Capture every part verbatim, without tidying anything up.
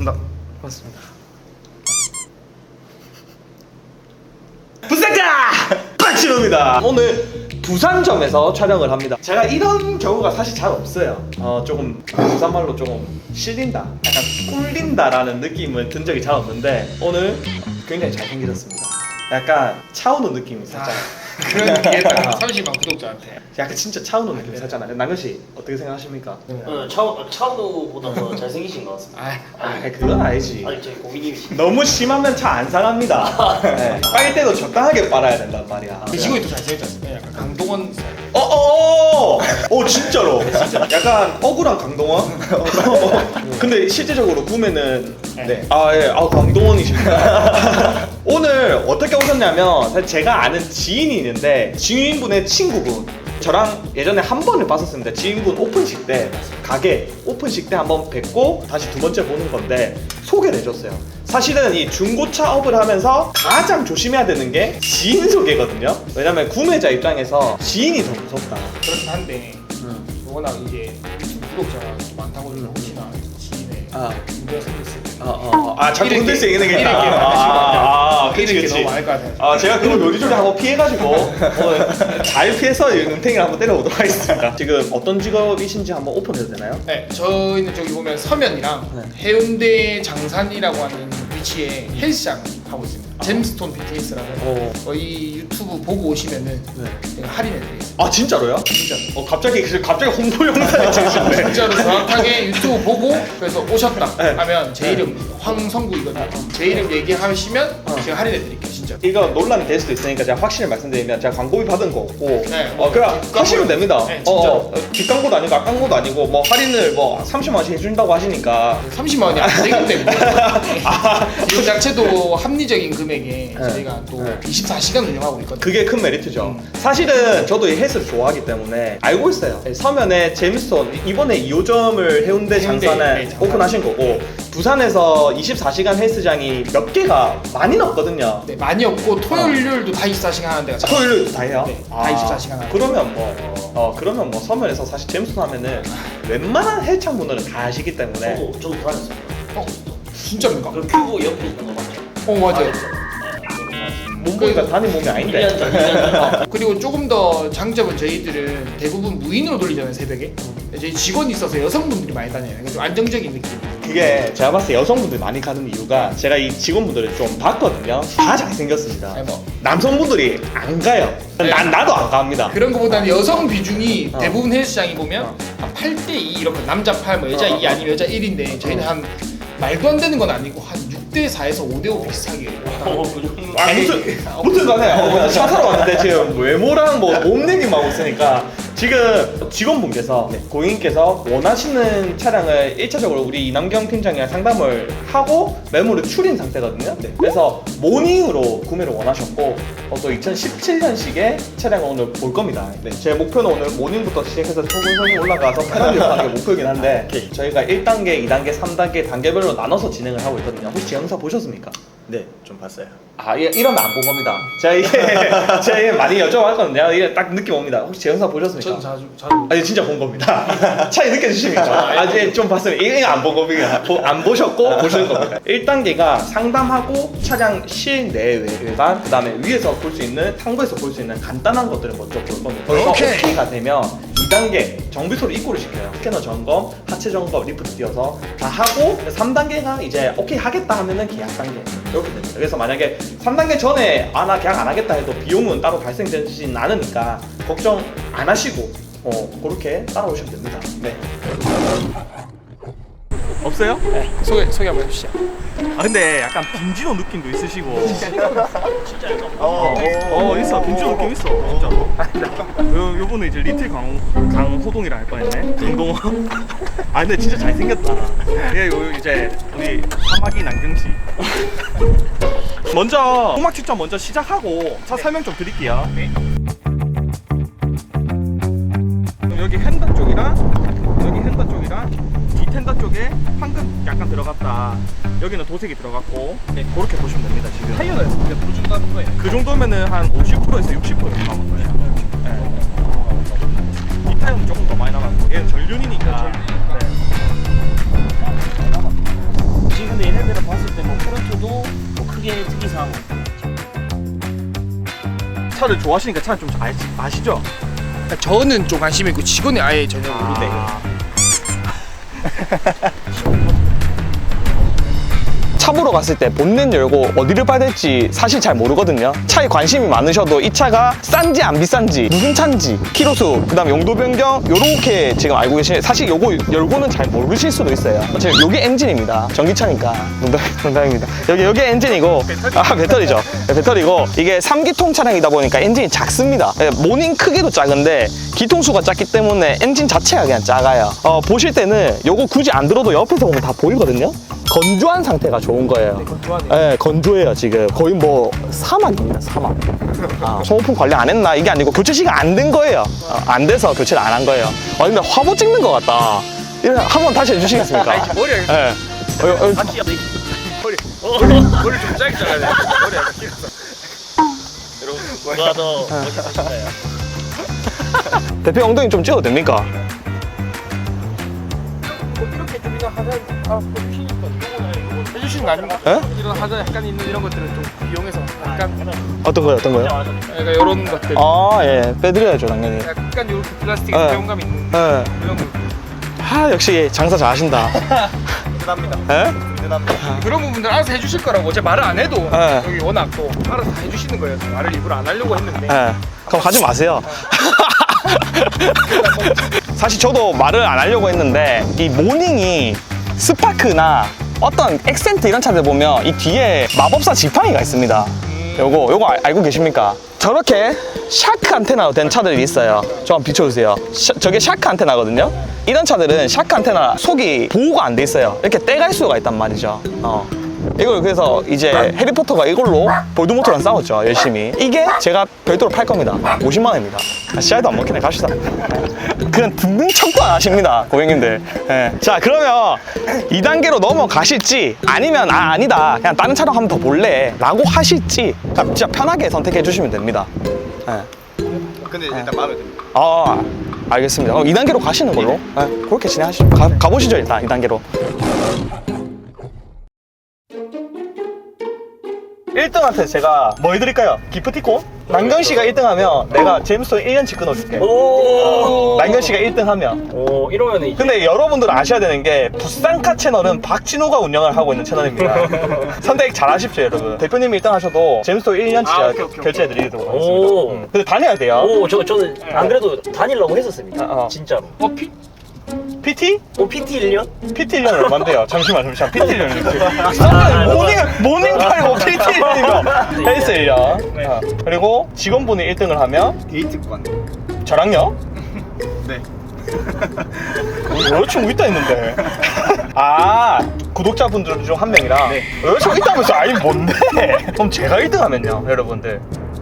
반갑습니다. 반갑습니다. 부산가 박진호입니다. 오늘 부산점에서 촬영을 합니다. 제가 이런 경우가 사실 잘 없어요. 어 조금 부산말로 조금 실린다, 약간 꿀린다라는 느낌을 든 적이 잘 없는데 오늘 굉장히 잘생기셨습니다. 약간 차은우 느낌이 살짝. 아, 그런 얘기했다. 삼십만 구독자한테. 약간 진짜 차은우 느낌 살짝 나요. 남현 씨 어떻게 생각하십니까? 어, 차우 차우보다 더 잘생기신 것 같습니다. 아, 아 그건 아니지. 아니 저희 고객님이시. 너무 심하면 차 안 상합니다. 네. 빨 때도 적당하게 빨아야 된단 말이야. 그 친구이 더 잘생겼지 않습니까? 약간 강동원 스타일. 어어어! 어 진짜로. 약간 억울한 강동원. 근데 실제적으로 구매는 네. 아 예, 아 강동원이십니다. 오늘 어떻게 오셨냐면 사실 제가 아는 지인이 있는데 지인분의 친구분. 저랑 예전에 한 번을 봤었습니다. 지인분 오픈식 때 가게 오픈식 때 한번 뵙고 다시 두 번째 보는 건데 소개를 해줬어요. 사실은 이 중고차 업을 하면서 가장 조심해야 되는 게 지인 소개거든요. 왜냐면 구매자 입장에서 지인이 더 무섭다. 그렇긴 한데 워낙 이제 유튜브 구독자가 많다고 해서 혹시나 지인의 아. 문제가 생겼을 때 어어 아 자꾸 이렇게, 흔들 수 있는 게 이렇게 있다. 하시면 안 아, 아, 돼요. 그치 이렇게 그치. 너무 많을 것 같아요. 아 제가 그걸 요리조리 한번 피해가지고 오늘 잘 피해서 이 눈탱이를 한번 때려보도록 하겠습니다. 지금 어떤 직업이신지 한번 오픈해도 되나요? 네, 저희는 저기 보면 서면이랑 네. 해운대 장산이라고 하는 위치에 헬스장 하고 있습니다. 잼스톤 피트니스라고 어. 저희 유튜브 보고 오시면은 네. 제가 할인해드리겠습니다. 아 진짜로요? 진짜. 어 갑자기 그 갑자기 홍보 영상이 찍으셨네. 진짜로 정확하게 유튜브 보고 그래서 오셨다 네. 하면 제 이름 황성구이거든요. 제 이름 얘기하시면 어. 제가 할인해드릴게요, 진짜. 이거 논란이 될 수도 있으니까 제가 확실히 말씀드리면 제가 광고비 받은 거 없고 네, 어 그냥 뒷광고. 하시면 됩니다. 네, 진짜. 어, 어, 뒷광고도 아니고 앞광고도 아니고 뭐 할인을 뭐 삼십만 원씩 해준다고 하시니까 삼십만 원이 안 되기 때문에 아 이거 자체도 합리적인 금액에 네. 저희가 또 네. 이십사 시간 운영하고 있거든요. 그게 큰 메리트죠. 음. 사실은 저도 이 헬스를 좋아하기 때문에 알고 있어요. 서면에 잼스톤 이번에 이 호점을 해운대 해운대, 장산에 네, 장산. 오픈하신 거고 부산에서 이십사 시간 헬스장이 몇 개가 많이는 없거든요. 네, 많이 없고 토요일, 일요일도 다 이십사 시간 하는 데가 참- 토요일 다 해요? 네, 다 이십사 시간 하고. 그러면 뭐, 어, 그러면 뭐 서면에서 사실 잼스톤 하면은 웬만한 헬창 분들은 다 아시기 때문에 저도 저도 다녔습니다. 어? 진짜입니까? 그 큐브 옆에 있는 거 맞죠? 어, 맞아요. 몸 보니까 단위 몸이 아닌데. 일 년 전, 일 년 전. 그리고 조금 더 장점은 저희들은 대부분 무인으로 돌리잖아요, 새벽에. 저희 직원이 있어서 여성분들이 많이 다녀요. 그러니까 좀 안정적인 느낌. 그게 제가 봤을 때 여성분들이 많이 가는 이유가 제가 이 직원분들을 좀 봤거든요. 다 잘생겼습니다. 아니, 뭐. 남성분들이 안 가요. 네. 난 나도 안 갑니다. 그런 거보다는 여성 비중이 어. 대부분 헬스장이 보면 어. 한 팔 대 이 이렇게 남자 팔, 뭐 여자 어, 어, 이 아니면 여자 일인데 저희는 어. 한 말도 안 되는 건 아니고 한 육 대 사에서 오 대 오 비슷하게. 어, 그 정도. 아, 무튼 무튼 간에 어, 차 사러 왔는데 지금 외모랑 뭐 몸내기만 하고 있으니까 지금 직원분께서 네, 고객님께서 원하시는 차량을 일 차적으로 우리 이남경 팀장이랑 상담을 하고 매물을 추린 상태거든요. 네, 그래서 모닝으로 구매를 원하셨고 어, 또 이천십칠 년식의 차량을 오늘 볼 겁니다. 네, 제 목표는 오늘 모닝부터 시작해서 소근소근 올라가서 패널리로 하는 게 목표이긴 한데 저희가 일 단계, 이 단계, 삼 단계 단계별로 나눠서 진행을 하고 있거든요. 혹시 제 영상 보셨습니까? 네, 좀 봤어요. 아, 이- 이러면 안 본 겁니다. 제가 이게 제가 이게 많이 여쭤봤거든요. 이게 딱 느낌 옵니다. 혹시 제 영상 보셨습니까? 저는 자주 자주. 아니 진짜 본 겁니다. 차이 느껴지십니까? 아, 이제 좀 봤으면 이게 안 본 겁니다. 보- 안 보셨고 보시는 겁니다. 일 단계가 상담하고 차량 실내외관, 그 다음에 위에서 볼 수 있는 탕부에서 볼 수 있는 간단한 것들을 먼저 볼 겁니다. 거기서 오케이. 오케이가 되면 이 단계 정비소로 입고를 시켜요. 스캐너 점검, 하체 점검, 리프트 띄어서 다 하고 삼 단계가 이제 오케이 하겠다 하면은 계약 단계 이렇게 됩니다. 그래서 만약에 삼 단계 전에 아 나 계약 안 하겠다 해도 비용은 따로 발생되진 않으니까 걱정 안 하시고 어 그렇게 따라오시면 됩니다. 네. 없어요? 네, 소개 소개 한번 해주시죠. 아 근데 약간 빈지노 느낌도 있으시고 진짜 약간 어, 어 있어 빈지노 느낌 있어 진짜로. 요, 요분은 이제 리틀 강, 강호동이라 할 뻔했네. 강동원. 아 근데 진짜 잘생겼다. 예, 요 이제 우리 사마귀 남경씨. 먼저 음악 추천 먼저 시작하고 차 설명 좀 드릴게요. 네. 여기 휀다 쪽이랑 여기 휀다 쪽이랑 디텐다 쪽에 황금 약간 들어갔다. 여기는 도색이 들어갔고 네, 그렇게 보시면 됩니다. 지금 타이어는 몇 프로 준다는 거예요? 그 정도면은 한 오십 퍼센트에서 육십 퍼센트 남은 거예요. 네. 이 타이어는 조금 더 많이 남았고 얘는 전륜이니까. 네. 지금 근데 특이 특이사항. 차를 좋아하시니까 차를 좀 알, 아시죠? 저는 좀 관심이 있고 직원이 아예 전혀 모르는데. 차 보러 갔을 때 본넷 열고 어디를 봐야 될지 사실 잘 모르거든요. 차에 관심이 많으셔도 이 차가 싼지 안 비싼지 무슨 차인지 키로수 그다음 용도 변경 요렇게 지금 알고 계시는데 사실 요거 열고는 잘 모르실 수도 있어요. 지금 요게 엔진입니다. 전기차니까 농담, 농담입니다. 여기 요게 엔진이고 아 배터리죠. 네, 배터리고 이게 삼 기통 차량이다 보니까 엔진이 작습니다. 네, 모닝 크기도 작은데 기통수가 작기 때문에 엔진 자체가 그냥 작아요. 어, 보실 때는 요거 굳이 안 들어도 옆에서 보면 다 보이거든요. 건조한 상태가 좋은 거예요. 건조하네요. 네, 건조해요 지금. 거의 뭐 사막입니다, 사막. 아, 소모품 관리 안 했나 이게 아니고 교체 시간 안 된 거예요. 어, 안 돼서 교체를 안 한 거예요. 아 근데 화보 찍는 것 같다. 이거 한번 다시 해주시겠습니까? 아니, 머리가 네. 어, 어, 바퀴가 돼. 머리 머리 머리 좀 짧게 잘라야 돼. 머리 약간 길어서. 누가 더 멋있으신가요? 대표 엉덩이 좀 찍어도 됩니까? 뭐 이렇게 좀 이런 하자 아 해주시니까 이거는 이거 해주시는 거 아닙니까? 에? 이런 하자 약간 있는 이런 것들은 좀 이용해서 약간 어떤 거요, 어떤 거요? 약간 이런 것들 아, 예, 빼드려야죠 당연히. 약간 이렇게 플라스틱 네. 배용감 있는 예. 이런 거 아 역시 장사 잘하신다. 든든합니다. 예? 든든합니다. 그런 부분들 알아서 해주실 거라고 제가 말을 안 해도 네. 여기 워낙 또 알아서 다 해주시는 거예요. 말을 일부러 안 하려고 했는데 예. 그럼 하지 마세요. 사실 저도 말을 안 하려고 했는데 이 모닝이 스파크나 어떤 액센트 이런 차들 보면 이 뒤에 마법사 지팡이가 있습니다. 요거 요거 알- 알고 계십니까? 저렇게 샤크 안테나로 된 차들이 있어요. 저 한번 비춰주세요. 샤- 저게 샤크 안테나거든요. 이런 차들은 샤크 안테나 속이 보호가 안 돼 있어요. 이렇게 떼갈 수가 있단 말이죠. 어. 이걸 그래서 이제 해리포터가 이걸로 볼드모트랑 싸웠죠, 열심히. 이게 제가 별도로 팔 겁니다. 오십만 원입니다. 아, 씨알도 안 먹히네, 갑시다. 그냥 듣는 척도 안 하십니다, 고객님들. 예. 자, 그러면 이 단계로 넘어가실지 아니면 아, 아니다. 그냥 다른 차량 한번 더 볼래. 라고 하실지 그냥 진짜 편하게 선택해 주시면 됩니다. 예. 근데 일단 마음에 듭니다. 아, 알겠습니다. 그럼 이 단계로 가시는 걸로. 예, 그렇게 진행하시죠. 가, 가보시죠, 일단 이 단계로. 일 등한테 제가 뭐 해드릴까요? 기프티콘? 남경 씨가 일 등 하면 내가 제임스톤 일 년치 끊어줄게. 오. 남경 씨가 일 등 하면. 오 이러면 이제. 근데 여러분들 아셔야 되는 게 부산카 채널은 박진호가 운영을 하고 있는 채널입니다. 선택 잘 하십시오, 여러분. 대표님이 일 등 하셔도 제임스톤 일 년치 아, 오케이, 오케이, 결제해드리도록 하겠습니다. 오. 음. 근데 다녀야 돼요. 오, 저 저는 안 그래도 다니려고 했었습니다. 어, 어. 진짜로. 어 피? 피티? 오 피티 일 년? 피티 일 년 얼만데요? 잠시만, 잠시만. 피티 일 년 아, 이렇게. 모닝, 모닝 팔고 피티 일 년이면 헬스 일 년. 네. 어. 그리고 직원분이 일 등을 하면 게이트 구간. 저랑요? 네. 여자친구 있다 했는데. 아, 구독자분들 중 한 명이랑 네. 여자친구 있다면서 아니 뭔데? 그럼 제가 일 등 하면요, 여러분들.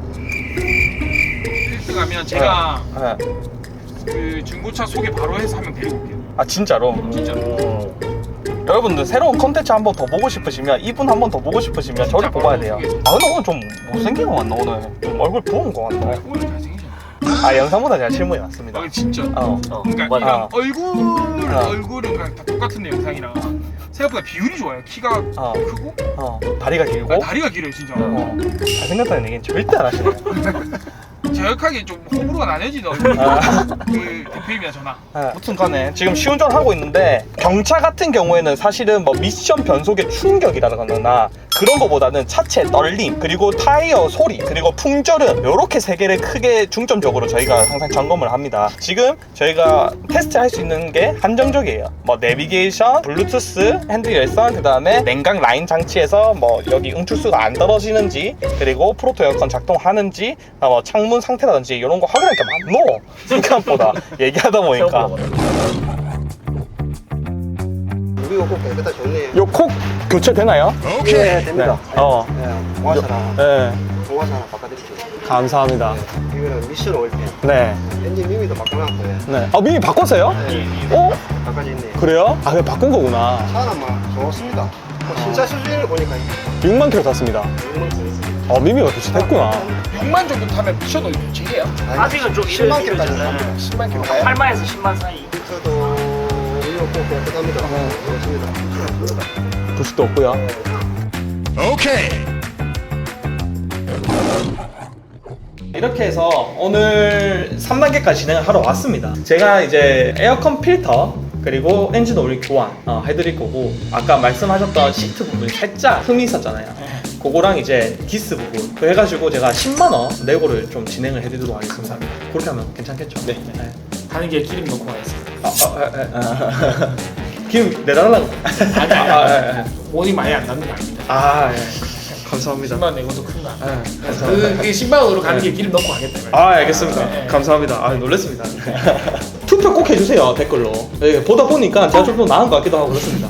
일 등 하면 제가 네. 그 중고차 소개 바로 해서 한 명 데리고 올게요. 아, 진짜로? 진짜로. 오. 여러분들 새로운 컨텐츠 한 번 더 보고 싶으시면 이분 한 번 더 보고 싶으시면 저를 뽑아야 돼요. 아 근데 오늘 좀 못생긴 거 같나 오늘? 좀 얼굴 부은 거 같나? 오늘 잘생기셨네. 아 영상보다 제가 실물이 낫습니다. 아 진짜. 어. 어, 그러니까 맞아. 이런 어. 얼굴 어. 얼굴은 그냥 다 똑같은데 영상이랑 생각보다 비율이 좋아요. 키가 어. 크고 어. 다리가 길고. 아, 다리가 길어요 진짜. 어. 잘생겼다는 얘기는 절대 안 하시네요. 정확하게 좀 호불호가 나뉘어지는 얼굴. 아. 그 대표님이나 저나. 네, 무튼 간에 지금 시운전 하고 있는데 경차 같은 경우에는 사실은 뭐 미션 변속의 충격이라거나 그런 거보다는 차체 떨림 그리고 타이어 소리 그리고 풍절음 요렇게 세 개를 크게 중점적으로 저희가 항상 점검을 합니다. 지금 저희가 테스트 할 수 있는 게 한정적이에요. 뭐 내비게이션, 블루투스, 핸드 열선 그 다음에 냉각 라인 장치에서 뭐 여기 응출수가 안 떨어지는지 그리고 프로토 에어컨 작동하는지 아, 뭐 창문 상태라든지 이런 거 확인할 게 많노 생각보다 얘기하다 보니까 우리 요거 깨끗하 좋네. 요 콕 교체되나요? 네, 됩니다. 어. 네, 공화사나, 네. 공화사나 바꿔드릴게요. 감사합니다. 네, 이거는 미션 오일팬. 네. 엔진 미미도 바꿔놨고요. 네. 아, 미미 바꿨어요? 네, 어? 바꿔져 있네요. 그래요? 아, 그냥 바꾼 거구나. 차는 막 좋습니다. 뭐 진짜 수준을 보니까 육만 킬로 탔습니다. 어, 미미가 교체됐구나. 육만 정도 타면 미션도 교체해요. 아직은 좀 십만 이럴 킬로까지 때잖아요. 갑니다. 십만 킬로. 팔만에서 십만 사이. 저도 이거 꼭 깨끗합니다. 좋습니다. 부식도 없고요. 이렇게 해서 오늘 삼 단계까지 진행을 하러 왔습니다. 제가 이제 에어컨 필터 그리고 엔진 오일 교환 어, 해드릴 거고, 아까 말씀하셨던 시트 부분이 살짝 흠이 있었잖아요. 그거랑 이제 기스 부분 그 해가지고 제가 십만 원 내고를 좀 진행을 해드리도록 하겠습니다. 그렇게 하면 괜찮겠죠? 네. 네. 가는 길에 기름 넣고 가겠습니다. 아, 아, 아, 아. 기름 내달라고. 아니 아니 아, 아, 아. 원이 많이 안 남는 거 아닙니다. 아, 예. 감사합니다. 십만 원 내고도 큰 거. 아니에요. 예, 감사합니다. 그, 그 십만 원으로 가는 네. 길에 기름 넣고 가겠다. 말이에요. 아, 알겠습니다. 네, 네. 감사합니다. 아, 놀랐습니다. 투표 꼭 해주세요, 댓글로. 네, 보다 보니까 제가 좀 더 나은 것 같기도 하고 그렇습니다.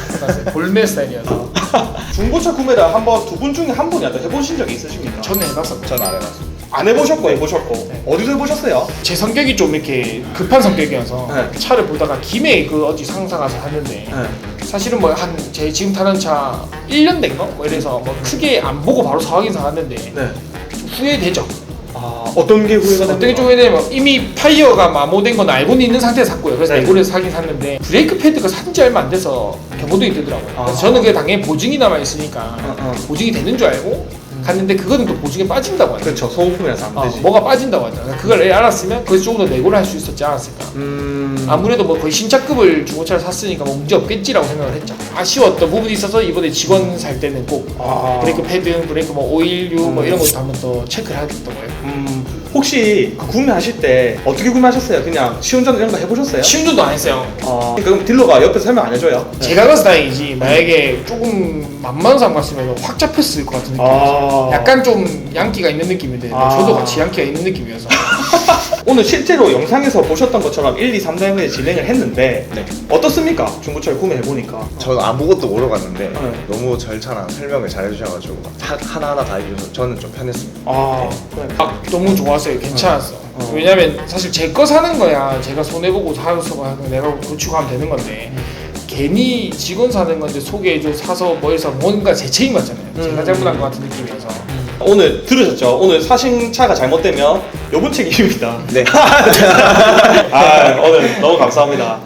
볼메 스타일이어서 중고차 구매를 한번 두 분 중에 한 분이라도 해보신 적이 있으십니까? 저는 해봤었죠. 전 안 해봤습니다. 안 해보셨고 해보셨고 네. 어디서 해보셨어요? 제 성격이 좀 이렇게 급한 성격이어서 네. 차를 보다가 김해 그 어디 상사 가서 샀는데 네. 사실은 뭐 한 제 지금 타는 차 일 년 된 거? 뭐 이래서 뭐 크게 안 보고 바로 사긴 사왔는데 네. 좀 후회되죠. 아, 어떤 게 후회가 어떻게 됩니까? 좀 후회되면 이미 타이어가 마모된 건 알고는 있는 상태에서 샀고요. 그래서 네. 내고를 사긴 샀는데 브레이크 패드가 산 지 얼마 안 돼서 경고등이 뜨더라고요. 그래서 아. 저는 그게 당연히 보증이 남아 있으니까 어, 어. 보증이 되는 줄 알고 갔는데 그거는 또 보증에 빠진다고 하죠. 그렇죠. 소모품이라서 안 어, 되지. 뭐가 빠진다고 하잖아. 그걸 애 알았으면 그래서 조금 더 내고를 할 수 있었지 않았을까. 음. 아무래도 뭐 거의 신차급을 중고차를 샀으니까 뭐 문제 없겠지라고 생각을 했죠. 아쉬웠던 부분이 있어서 이번에 직원 살 때는 꼭 아. 브레이크 패드, 브레이크 뭐 오일류 뭐 음. 이런 것도 한번 더 체크를 해야겠던 거예요. 음. 혹시 그 구매하실 때 어떻게 구매하셨어요? 그냥 시운전 이런 거 해보셨어요? 시운전도 안 했어요. 어. 그럼 딜러가 옆에서 설명 안 해줘요? 제가 가서 다행이지 만약에 조금 만만한 사람 갔으면 확 잡혔을 것 같은 느낌. 아. 약간 좀 양기가 있는 느낌인데 아. 저도 같이 양기가 있는 느낌이어서 오늘 실제로 영상에서 보셨던 것처럼 일, 이, 삼 단계 진행을 했는데 네. 어떻습니까? 중고차를 구매해보니까. 저는 아무것도 모르고 갔는데 네. 너무 절차랑 설명을 잘 해주셔가지고 하- 하나하나 다 해주셔서 저는 좀 편했습니다. 아, 그래. 아, 너무 좋았어요. 괜찮았어. 어. 왜냐면 사실 제 거 사는 거야 제가 손해보고 사서 내가 고치고 하면 되는 건데 괜히 직원 사는 건데 소개해줘 사서 뭐 해서 뭔가 제 책임 같잖아요. 제가 음. 잘못한 것 같은 느낌이어서 오늘 들으셨죠? 오늘 사신 차가 잘못되면 요분 책임입니다. 네. 아, 오늘 너무 감사합니다.